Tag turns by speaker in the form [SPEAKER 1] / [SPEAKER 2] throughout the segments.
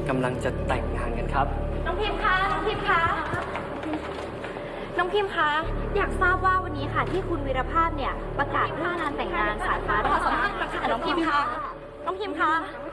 [SPEAKER 1] กำลังจะแต่งงานกันครับ
[SPEAKER 2] น้องพิมพ์คะน้องพิมพ์คะน้องพิมพ์คะอยากทราบว่าวันนี้ค่ะที่คุณวีรภาพเนี่ยประกาศเรื่องงานแต่งงานสายฟ้าขอสัมภาษณ์ค่ะน้องพิมพ์คะน้องพิมพ์คะ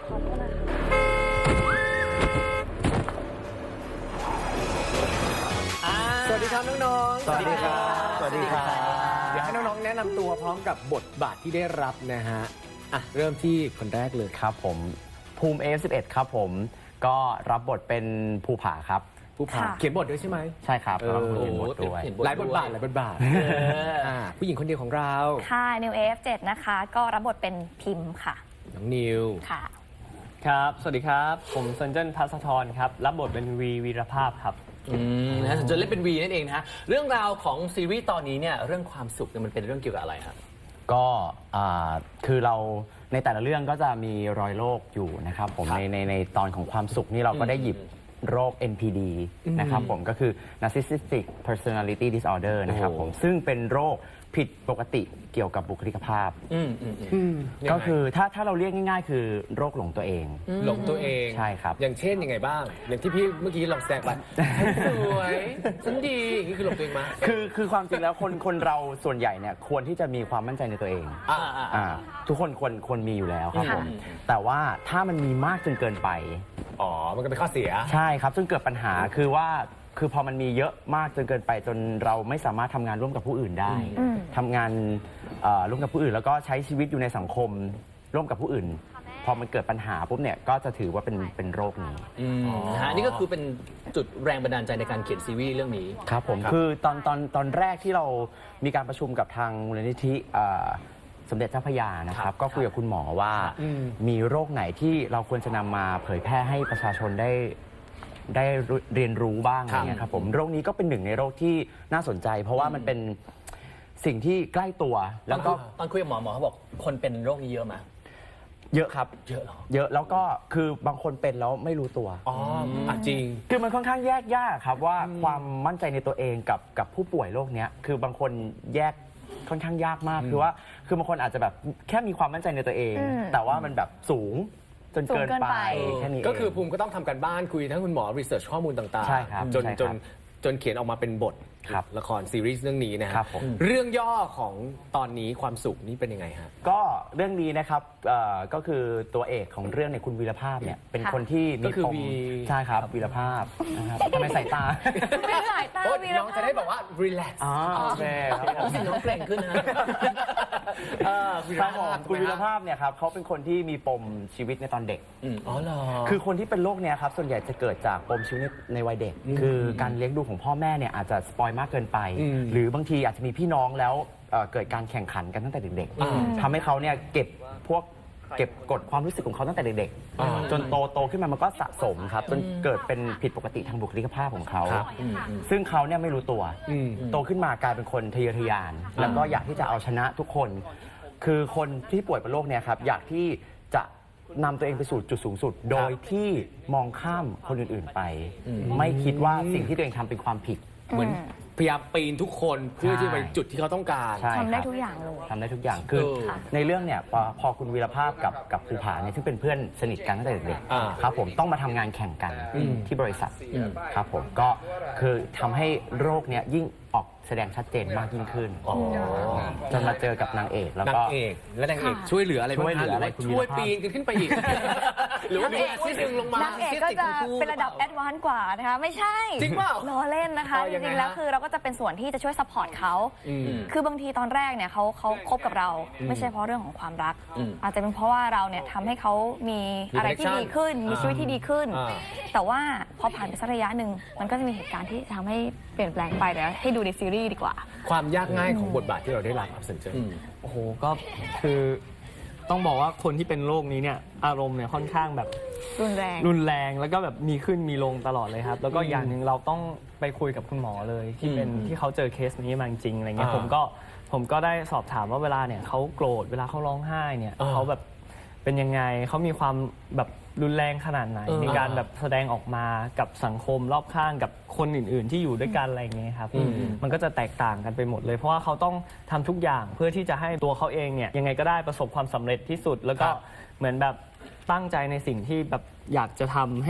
[SPEAKER 3] สวัสดีครับน้องๆ
[SPEAKER 1] สวัสดีครับ
[SPEAKER 3] สวัสดีครับเดี๋ยวให้น้องๆแนะนำตัวพร้อมกับบทบาทที่ได้รับนะฮะเริ่มที่คนแรกเลย
[SPEAKER 4] ครับผมภูมิ F11 ครับผมก็รับบทเป็นภูผาครับ
[SPEAKER 3] ผู้ผ่าเขียนบทด้วยใช่ไหม
[SPEAKER 4] ใช่ครับ
[SPEAKER 3] เออ
[SPEAKER 4] เขียนบทด้วย
[SPEAKER 3] หลายบทบาทผู้หญิงคนเดียวของเรา
[SPEAKER 2] ค่ะนิว F7 นะคะก็รับบทเป็นพิมพ์ค่ะ
[SPEAKER 3] น้องนิว
[SPEAKER 2] ค่ะ
[SPEAKER 1] ครับสวัสดีครับผมเซนเจิ้นพัสธรครับรับบทเป็นวีรภาพครับ
[SPEAKER 5] นะจะเล่นเป็นวีนั่นเองนะฮะเรื่องราวของซีรีส์ตอนนี้เนี่ยเรื่องความสุขเนี่ยมันเป็นเรื่องเกี่ยวกับอะไรครับ
[SPEAKER 4] ก็คือเราในแต่ละเรื่องก็จะมีรอยโรคอยู่นะครับผมในตอนของความสุขนี่เราก็ได้หยิบโรค NPD นะครับผมก็คือ Narcissistic Personality Disorder นะครับผมซึ่งเป็นโรคผิดปกติเกี่ยวกับบุคลิกภาพก็คือถ้าเราเรียกง่ายๆ คือโรคหลงตัวเอง
[SPEAKER 3] หลงตัวเอง
[SPEAKER 4] ใช่ครับ
[SPEAKER 3] อย่างเช่นยังไงบ้าง อย่างที่พี่เมื่อกี้ลองแซงไปฉันสวยฉันดีอย่างนี้คือหลงตัวเองมา
[SPEAKER 4] คือความจริงแล้วคนเราส่วนใหญ่เนี่ยควรที่จะมีความมั่นใจในตัวเองทุกคนควรมีอยู่แล้วครับผมแต่ว่าถ้ามันมีมากจนเกินไป
[SPEAKER 3] มันก็เป็นข้อเสีย
[SPEAKER 4] ใช่ครับซึ่งเกิดปัญหาคือพอมันมีเยอะมากจนเกินไปจนเราไม่สามารถทำงานร่วมกับผู้อื่นได้ทำงานร่วมกับผู้อื่นแล้วก็ใช้ชีวิตอยู่ในสังคมร่วมกับผู้อื่น พอมันเกิดปัญหาปุ๊บเนี่ยก็จะถือว่าเป็นโรคนี้
[SPEAKER 5] นะฮะนี่ก็คือเป็นจุดแรงบันดาลใจในการเขียนซีรีส์เรื่องนี้
[SPEAKER 4] ครับผมคือตอนแรกที่เรามีการประชุมกับทางมูลนิธิสมเด็จเจ้าพระยานะครับก็คุยกับคุณหมอว่ามีโรคไหนที่เราควรจะนำมาเผยแพร่ให้ประชาชนได้เรียนรู้บ้างอะไรเงี้ยครับผมโรคนี้ก็เป็นหนึ่งในโรคที่น่าสนใจ เพราะว่ามันเป็นสิ่งที่ใกล้ตัวแล้วก็
[SPEAKER 5] ตอนคุยกับหมอเขาบอกคนเป็นโรคนี้เยอะไหม
[SPEAKER 4] เยอะครับเยอะแล้วก็คือบางคนเป็นแล้วไม่รู้ตัว
[SPEAKER 3] จริง
[SPEAKER 4] คือมันค่อนข้างแยกยากครับว่าความมั่นใจในตัวเองกับผู้ป่วยโรคนี้คือบางคนแยกค่อนข้างยากมากคือบางคนอาจจะแบบแค่มีความมั่นใจในตัวเอง แต่ว่ามันแบบสูงจนเกินไปแค่นี้
[SPEAKER 3] ก็คือภูมิก็ต้องทำการบ้านคุยทั้งคุณหมอรีเสิร์ชข้อมูลต่างๆจนเขียนออกมาเป็นบทละครซีรีส์เรื่องนี้นะครับเรื่องย่อของตอนนี้ความสุขนี่เป็นยังไงฮะ
[SPEAKER 4] ก็เรื่องนี้นะครับก็คือตัวเอกของเรื่องในคุณวีรภาพเนี่ยเป็นคนที่มีปมใช่ครับวีรภาพนะครับทำไมสายตา
[SPEAKER 2] ไม่สายตาวีรภาพ
[SPEAKER 3] น้องจะได้บอกว่ารีแลกซ์
[SPEAKER 4] โอเค
[SPEAKER 5] รู้สึกน้องเกรงขึ้นนะ
[SPEAKER 4] คุณวีรภาพเนี่ยครับเขาเป็นคนที่มีปมชีวิตในตอนเด็กคือคนที่เป็นโรคเนี้ยครับส่วนใหญ่จะเกิดจากปมชีวิตในวัยเด็กคือการเลี้ยงดูของพ่อแม่เนี่ยอาจจะสปอยมากเกินไปหรือบางทีอาจจะมีพี่น้องแล้วเกิดการแข่งขันกันตั้งแต่เด็กๆทำให้เขาเนี่ยเก็บกดความรู้สึกของเขาตั้งแต่เด็กๆจนโตขึ้นมามันก็สะสมครับจนเกิดเป็นผิดปกติทางบุคลิกภาพของเขาซึ่งเขาเนี่ยไม่รู้ตัวโตขึ้นมากลายเป็นคนทะเยอทะยานแล้วก็อยากที่จะเอาชนะทุกคนคือคนที่ป่วยเป็นโรคเนี่ยครับอยากที่จะนำตัวเองไปสู่จุดสูงสุดโดยที่มองข้ามคนอื่นๆไปไม่คิดว่าสิ่งที่ตัวเองทำเป็นความผิด
[SPEAKER 3] เหมือนพยายามปีนทุกคนเพื่อที่ไปจุดที่เขาต้องการ
[SPEAKER 2] ทำได้ทุกอย่างเลย
[SPEAKER 4] ทำได้ทุกอย่างคือในเรื่องเนี่ยพอคุณวีรภาพกับภูผาเนี่ยซึ่งเป็นเพื่อนสนิทกันตั้งแต่เด็กๆครับผมต้องมาทำงานแข่งกันที่บริษัทครับผมก็คือทำให้โรคเนี้ยยิ่งออกแสดงชัดเจนมากยิ่งขึ้นจนมาเจอกับนางเอกแล้วก็
[SPEAKER 3] นางเอกช่วยเหลืออะไรบ้างช่วยปีนกันขึ้นไปอีกหรือว่ามีที่ดึงลงมาน
[SPEAKER 2] างเอกก็จะเป็นระดับแอดวานซ์กว่านะคะไม่ใช่
[SPEAKER 3] จริงเปล่า
[SPEAKER 2] ล้อเล่นนะคะจริงๆแล้วคือเราก็จะเป็นส่วนที่จะช่วยซัพพอร์ตเขาคือบางทีตอนแรกเนี่ยเขาคบกับเราไม่ใช่เพราะเรื่องของความรักอาจจะเป็นเพราะว่าเราเนี่ยทำให้เขามีอะไรที่ดีขึ้นมีชีวิตที่ดีขึ้นแต่ว่าพอผ่านไปสักระยะหนึ่งมันก็จะมีเหตุการณ์ที่ทำให้เปลี่ยนแปลงไปเดี๋ยวให้ดูในซีรีส์ดีกว่า
[SPEAKER 3] ความยากง่ายของบทบาทที่เราได้รับเซนเจอร์
[SPEAKER 1] โอ้โหก็คือต้องบอกว่าคนที่เป็นโรคนี้เนี่ยอารมณ์เนี่ยค่อนข้างแบบ
[SPEAKER 2] รุนแรง
[SPEAKER 1] แล้วก็แบบมีขึ้นมีลงตลอดเลยครับแล้วก็อย่างหนึ่งเราต้องไปคุยกับคุณหมอเลยที่เขาเจอเคสนี้มาจริงอะไรเงี้ยผมก็ได้สอบถามว่าเวลาเนี่ยเขาโกรธเวลาเขาร้องไห้เนี่ยเขาแบบเป็นยังไงเขามีความแบบรุนแรงขนาดไหนในการแบบแสดงออกมากับสังคมรอบข้างกับคนอื่นๆที่อยู่ด้วยกันอะไรเงี้ยครับมันก็จะแตกต่างกันไปหมดเลยเพราะว่าเขาต้องทำทุกอย่างเพื่อที่จะให้ตัวเขาเองเนี่ยยังไงก็ได้ประสบความสำเร็จที่สุดแล้วก็เหมือนแบบตั้งใจในสิ่งที่แบบอยากจะทำให้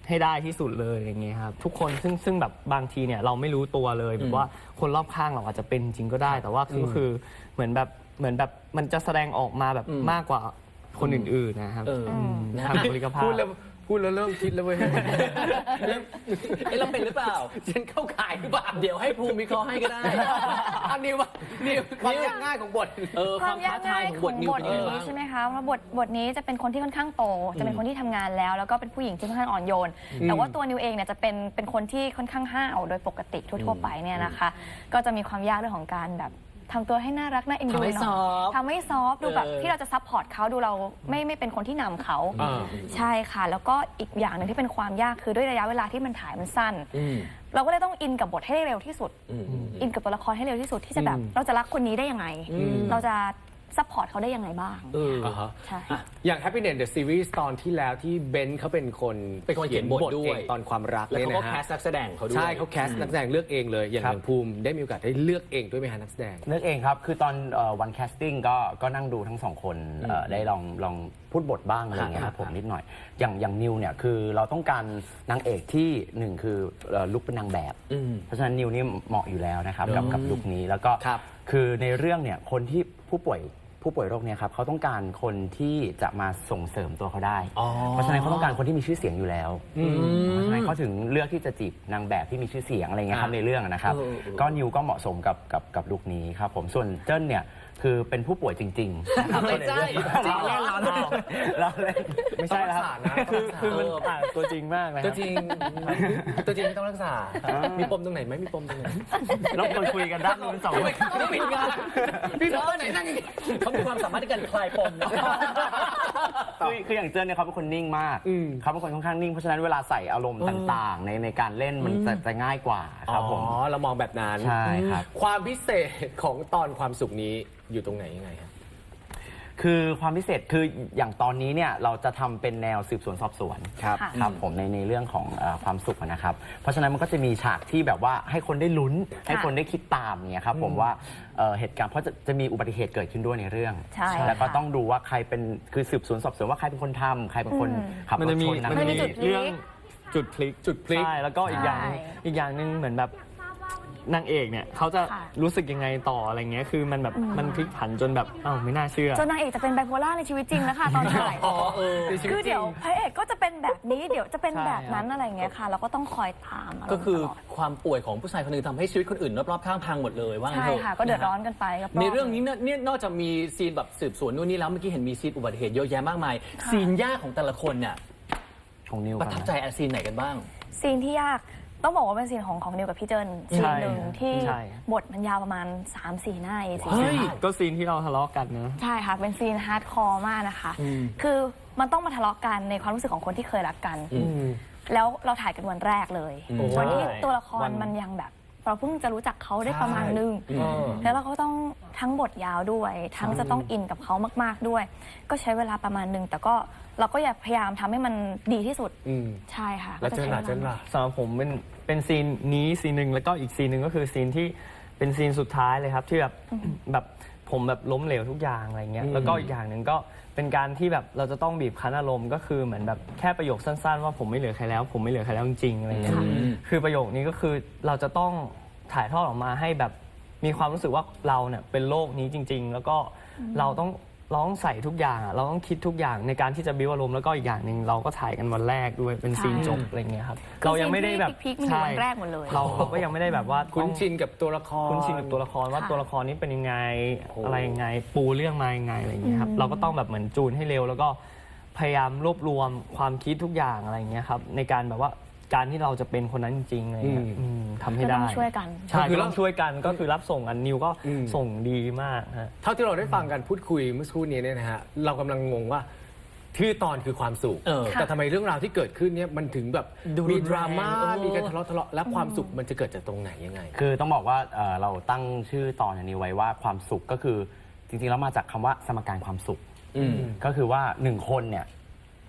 [SPEAKER 1] ให้ได้ที่สุดเลยอย่างเงี้ยครับทุกคนซึ่งแบบบางทีเนี่ยเราไม่รู้ตัวเลยแบบว่าคนรอบข้างเราอาจจะเป็นจริงก็ได้ แต่ว่าคือเหมือนแบบมันจะแสดงออกมาแบบมากกว่าคนอื่นๆนะครับทางบุคลิกภาพ
[SPEAKER 3] พูดแล้วเริ่มคิดแล้วเว้ย
[SPEAKER 5] เราเป็นหรือเปล่า
[SPEAKER 3] ฉันเข้าข่ายหรือเปล่า
[SPEAKER 5] เดี๋ยวให้ภูมิวิเคราะห์ให้ก็ได้
[SPEAKER 3] อันนี้ว่านี่ความยากง่ายของบท
[SPEAKER 5] ความท้าทายของบทนิว
[SPEAKER 2] บ
[SPEAKER 5] เป็
[SPEAKER 2] ท
[SPEAKER 5] นยังไง
[SPEAKER 2] นี้
[SPEAKER 5] บ้าง
[SPEAKER 2] ใช่ไหมคะเพราะบทนี้จะเป็นคนที่ค่อนข้างโต จะเป็นคนที่ทำงานแล้ว แล้วก็เป็นผู้หญิงที่ค่อนข้างอ่อนโยน แต่ว่าตัวนิวเองเนี่ยจะเป็นคนที่ค่อนข้างห้าวโดยปกติทั่วๆไปเนี่ยนะคะ ก็จะมีความยากเรื่องของการแบบทำตัวให้น่ารักน่าเอ็นดู
[SPEAKER 5] ทำให้
[SPEAKER 2] หน่
[SPEAKER 5] ซอ
[SPEAKER 2] อย
[SPEAKER 5] ฟต์
[SPEAKER 2] ทำให้ซอฟต์ดูแบบที่เราจะซัพพอร์ตเขาดูเราไม่เป็นคนที่นำเขา ใช่ค่ะ แล้วก็อีกอย่างหนึ่งที่เป็นความยากคือด้วยระยะเวลาที่มันถ่ายมันสั้น เราก็เลยต้องอินกับบทให้ได้เร็วที่สุด อินกับตัวละครให้เร็วที่สุดที่จะแบบเราจะรักคนนี้ได้ยังไง เราจะซัพพอร์ตเขาได้ยังไงบ้าง ใช่
[SPEAKER 3] อย่าง Happiness the Series ตอนที่แล้วที่เบนซ์เขาเป็นคน
[SPEAKER 5] เขียนบทด้วย
[SPEAKER 3] เองตอนความรัก
[SPEAKER 5] แล้ว
[SPEAKER 3] เนี่ย
[SPEAKER 5] เขาก็
[SPEAKER 3] นะ
[SPEAKER 5] แค
[SPEAKER 3] ฮะ
[SPEAKER 5] สนักแสดงเขาด้วย
[SPEAKER 3] ใช่เขาแคสนักแสดงเลือกเองเลย อย่างภูมิได้มีโอกาสได้เลือกเองด้วยไหมฮะนักแสดง
[SPEAKER 4] เลือกเองครับ คือตอนวันแคสติ้งก็นั่งดูทั้งสองคนได้ลองพูดบทบ้างอะไรอย่างเงี้ยครับผมนิดหน่อย อย่างนิวเนี่ยคือเราต้องการนางเอกที่หนึ่งคือลุคเป็นนางแบบ เพราะฉะนั้นนิวนี่เหมาะอยู่แล้วนะครับกับลุคนี้แล้วก็
[SPEAKER 3] ครับ
[SPEAKER 4] คือในเรื่องเนี่ยคนที่ผู้ป่วยโรคเนี่ยครับเขาต้องการคนที่จะมาส่งเสริมตัวเขาได้ เพราะฉะนั้นเขาต้องการคนที่มีชื่อเสียงอยู่แล้วเพราะฉะนั้นเขาถึงเลือกที่จะจีบนางแบบที่มีชื่อเสียงอะไรเงี้ยครับในเรื่องนะครับก็นิวก็เหมาะสมกับลุคนี้ครับผมส่วนเจิ้นเนี่ยคือเป็นผู้ป่วยจริงๆนะครับ
[SPEAKER 5] ไม่ใช่
[SPEAKER 4] เราเล่น
[SPEAKER 1] ไม่ใช่แล้วครับคือมันต่างตัวจริงมากนะค
[SPEAKER 3] ตั
[SPEAKER 1] รั
[SPEAKER 3] ว
[SPEAKER 1] บ
[SPEAKER 3] จริงไม่ต้องรักษา มีปมตรงไหนไหมมีปมตรงไหน
[SPEAKER 1] เราควรคุยกันด้านนู้นสองคน
[SPEAKER 5] ไม่ปิดงานพี่น้องไหนนั่งเขามีความสามารถในการคลายปมนะ
[SPEAKER 4] คืออย่างเจิ้นเนี่ยเขาเป็นคนนิ่งมากเขาเป็นคนค่อนข้างนิ่งเพราะฉะนั้นเวลาใส่อารมณ์ต่างๆในการเล่นมันจะง่ายกว่าครับผม
[SPEAKER 3] อ๋อ เรามองแบบนั้น
[SPEAKER 4] ใช่ครับ
[SPEAKER 3] ความพิเศษของตอนความสุขนี้อยู่ตรงไหนยังไงครับ
[SPEAKER 4] คือความพิเศษคืออย่างตอนนี้เนี่ยเราจะทำเป็นแนวสืบสวนสอบสวน
[SPEAKER 2] ค่ะ
[SPEAKER 4] ครับผมในเรื่องของความสุขนะครับ เพราะฉะนั้นมันก็จะมีฉากที่แบบว่าให้คนได้ลุ้นให้คนได้คิดตามเนี่ยครับผมว่าเหตุการณ์เพราะจะมีอุบัติเหตุเกิดขึ้นด้วยในเรื่อง
[SPEAKER 2] ใช่
[SPEAKER 4] แล้วก็
[SPEAKER 2] ค่ะ
[SPEAKER 4] ต้องดูว่าใครเป็นคือสืบสวนสอบสวนว่าใครเป็นคนทำใครเป็นคนขับ
[SPEAKER 1] มัน
[SPEAKER 4] รถ
[SPEAKER 1] จะมี
[SPEAKER 4] ชนนะ
[SPEAKER 2] มันจะมีจุดพลิก
[SPEAKER 1] เรื่องจุดพลิก
[SPEAKER 3] จุดพลิก
[SPEAKER 1] ใช่แล้วก็อีกอย่างหนึ่ง
[SPEAKER 2] ใช่
[SPEAKER 1] อีกอย่างหนึ่งเหมือนแบบนางเอกเนี่ยเขาจะ
[SPEAKER 2] ค่ะ
[SPEAKER 1] รู้สึกยังไงต่ออะไรเงี้ยคือมันแบบมันพลิกผันจนแบบอ้าวไม่น่าเชื่อ
[SPEAKER 2] จนนางเอกจะเป็นไบโพล่าในชีวิตจริงนะคะตอนถ่าย คือเดี๋ยวพระเอกก็จะเป็นแบบนี้เดี๋ยวจะเป็นแบบนั้นอะไรอย่างเงี้ยค่ะ เราก็ต้องคอยตามะไร
[SPEAKER 5] ก็คือ
[SPEAKER 2] ตลด
[SPEAKER 5] ความป่วยของผู้ชายคนหนึ่งทำให้ชีวิตคนอื่นรอบๆข้างพังหมดเลยว่างั้น
[SPEAKER 2] ใช่
[SPEAKER 5] เถอะ
[SPEAKER 2] ค่ะ ก็เดือดร้อนกันไปก็
[SPEAKER 5] ในเรื่องนี้เนี่ยนอกจากมีซีนแบบสืบสวนนู่นนี่แล้วเมื่อกี้เห็นมีซีนอุบัติเหตุเยอะแยะมากมาย ซีนยากของแต่ละคนเนี่ย
[SPEAKER 4] ของนิว
[SPEAKER 5] ประทับใจซีนไหนกันบ้าง
[SPEAKER 2] ซีนที่ยากต้องบอกว่าเป็นซีนของนิวกับพี่เจิ้นซีนหนึ่งที่
[SPEAKER 1] ใช่
[SPEAKER 2] บทมันยาวประมาณ 3-4 หน้าเอง
[SPEAKER 5] เฮ้ย
[SPEAKER 1] ก็ซีนที่เราทะเลาะกันนะ
[SPEAKER 2] ใช่ค่ะ เป็นซีนฮาร์ดคอร์มากนะคะ คือมันต้องมาทะเลาะกันในความรู้สึกของคนที่เคยรักกัน แล้วเราถ่ายกันวันแรกเลยวันที่ตัวละครมันยังแบบ เราเพิ่งจะรู้จักเขาได้ประมาณนึง แล้วเราก็ต้องทั้งบทยาวด้วย ทั้งจะต้องอินกับเขามากๆด้วย ก็ใช้เวลาประมาณนึง แต่ก็เราก็อย่าพยายามทำให้มันดีที่สุด ใช่ค่ะ
[SPEAKER 3] แล้วเจนล่ะ
[SPEAKER 2] ก็จะใช้วลา
[SPEAKER 1] สำหรับผมเป็นซีนนี้ซีนหนึ่งแล้วก็อีกซีนหนึ่งก็คือซีนที่เป็นซีนสุดท้ายเลยครับที่แบบผมแบบล้มเหลวทุกอย่างอะไรเงี้ยแล้วก็อีกอย่างหนึ่งก็เป็นการที่แบบเราจะต้องบีบคั้นอารมณ์ก็คือเหมือนแบบแค่ประโยคสั้นๆว่าผมไม่เหลือใครแล้ว ผมไม่เหลือใครแล้วจริงๆอะไรเงี้ยคือประโยคนี้ก็คือเราจะต้องถ่ายทอดออกมาให้แบบมีความรู้สึกว่าเราเนี่ยเป็นโลกนี้จริง ๆ แล้วก็เราต้องใส่ทุกอย่างเราต้องคิดทุกอย่างในการที่จะบิ้วอารมณ์แล้วก็อีกอย่างหนึ่งเราก็ถ่ายกันวันแรกด้วยเป็นซีนจบอะไรเงี้ยครับเรายังไม่ได้แบบ
[SPEAKER 2] พีคๆมันอยู่วันแรกหมดเลย
[SPEAKER 1] เราก็ยังไม่ได้แบบว่า
[SPEAKER 3] คุ้นชินกับตัวละคร
[SPEAKER 1] คุ้นชินกับตัวละครว่าตัวละครนี้เป็นยังไงอะไรยังไงปูเรื่องมายังไงอะไรอย่างเงี้ยครับเราก็ต้องแบบเหมือนจูนให้เร็ว แล้วก็พยายามรวบรวมความคิดทุกอย่างอะไรอย่างเงี้ยครับในการแบบว่าการที่เราจะเป็นคนนั้นจริงๆอะไรเงี้ยทำให้ได้
[SPEAKER 2] ก็ต้องช่วยกัน
[SPEAKER 1] ใช่คือต้องช่วยกันก็คือรับส่งกันนิวก็ส่งดีมากฮะ
[SPEAKER 3] เท่าที่เราได้ฟังกันพูดคุยเมื่อสักครู่นี้เนี่ยนะฮะเรากำลังงงว่าชื่อตอนคือความสุข แต่ทำไมเรื่องราวที่เกิดขึ้นเนี่ยมันถึงแบบมีดราม่ามีการทะเลาะและความสุขมันจะเกิดจากตรงไหนยังไง
[SPEAKER 4] คือต้องบอกว่าเราตั้งชื่อตอนนี้ไว้ว่าความสุขก็คือจริงๆแล้วมาจากคำว่าสมการความสุขก็คือว่าหนึ่งคนเนี่ย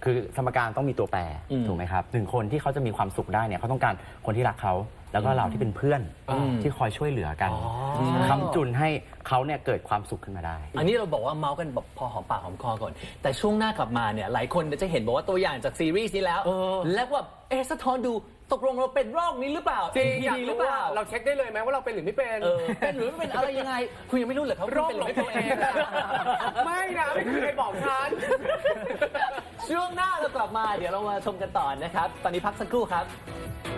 [SPEAKER 4] คือสมการต้องมีตัวแปรถูกไหมครับหนึ่งคนที่เขาจะมีความสุขได้เนี่ยเขาต้องการคนที่รักเขาแล้วก็เราที่เป็นเพื่อนที่คอยช่วยเหลือกันค้ำจุนให้เขาเนี่ยเกิดความสุขขึ้นมาได้
[SPEAKER 5] อันนี้เราบอกว่าเมาส์กันแบบพอหอมปากหอมคอก่อน แต่ช่วงหน้ากลับมาเนี่ยหลายคนจะเห็นบอกว่าตัวอย่างจากซีรีส์นี้แล้ว แล้วว่าสะท้อนดูตกลงเราเป็นโรคนี้หรือเปล่า
[SPEAKER 3] จริง
[SPEAKER 5] ดี
[SPEAKER 3] อยาก
[SPEAKER 5] หรื
[SPEAKER 3] รู้
[SPEAKER 5] อเป
[SPEAKER 3] ว่า
[SPEAKER 5] ล่า
[SPEAKER 3] เราเช็คได้เลยไหมว่าเราเป็นหรือไม่เป็น
[SPEAKER 5] เป็นหรือไม่เป็นอะไรยังไง คุณยังไม่รู้เหรอครับ
[SPEAKER 3] โรค
[SPEAKER 5] คุณ
[SPEAKER 3] หล
[SPEAKER 5] เป็น
[SPEAKER 3] ง
[SPEAKER 5] หรือ
[SPEAKER 3] ตัว
[SPEAKER 5] ไม่
[SPEAKER 3] เองไม่นะไม่เคยบอกฉัน
[SPEAKER 5] ช่วงหน้าเรากลับมาเดี๋ยวเรามาชมกันต่อนะครับ ตอนนี้พักสักครู่ครับ